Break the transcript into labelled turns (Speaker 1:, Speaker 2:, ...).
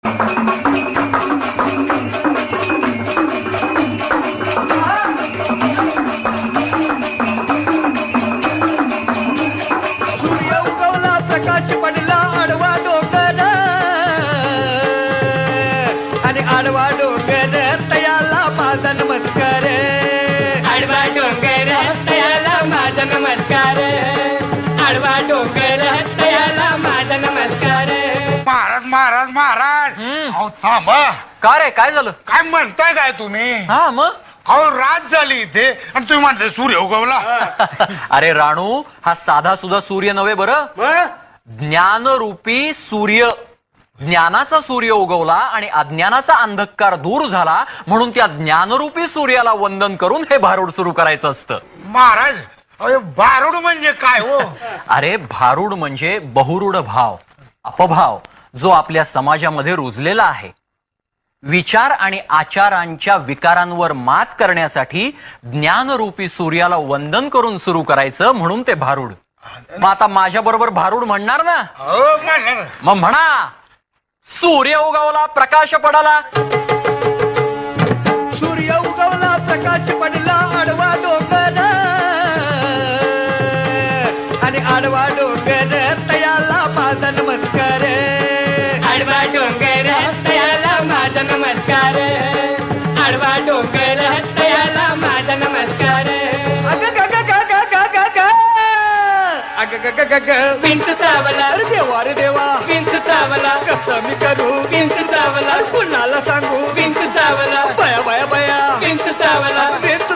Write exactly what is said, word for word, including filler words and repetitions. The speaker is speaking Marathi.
Speaker 1: प्रकाश पडला आडवा डोंगर आणि आडवा डोंगर तयाला माझा नमस्कार आडवा डोंगर तयाला माझा नमस्कार आडवा डोंगर तयाला माझा नमस्कार
Speaker 2: महाराज महाराज महाराज अहो थांबा.
Speaker 3: का रे काय झालं?
Speaker 2: काय म्हणताय काय तुम्ही?
Speaker 3: हा मग
Speaker 2: अहो रात झाली इथे आणि तुम्ही म्हणताय सूर्य उगवला.
Speaker 3: अरे राणू, हा साधा सुद्धा सूर्य नव्हे बरं, ज्ञानरूपी सूर्य. ज्ञानाचा सूर्य उगवला आणि अज्ञानाचा अंधकार दूर झाला, म्हणून त्या ज्ञानरूपी सूर्याला वंदन करून हे भारूड सुरू करायचं असतं.
Speaker 2: महाराज अरे भारूड म्हणजे काय हो?
Speaker 3: अरे भारूड म्हणजे बहुरूढ भाव, अपभाव, जो आपल्या समाजामध्ये रुजलेला आहे. विचार आणि आचारांच्या विकारांवर मात करण्यासाठी ज्ञानरूपी सूर्याला वंदन करून सुरू करायचं, म्हणून ते भारूड. मग आता माझ्या बरोबर भारूड म्हणणार ना?
Speaker 2: हो म्हणणार.
Speaker 3: मग म्हणा, सूर्य उगवला प्रकाश पडाला.
Speaker 1: सूर्य उगवला प्रकाश पडला आडवा डोंगर आणि आडवा डोंगर तयाला माझा नमस्कार आडवा डोंगर तयाला माझा नमस्कार आडवा डोंगर तयाला माझा नमस्कार अग ग ग ग ग ग ग ग अग ग ग ग ग विंच चावला अरे देवा रे देवा विंच चावला कसं मी करू विंच चावला कुणाला सांगू विंच चावला बया बया बया विंच चावला विंच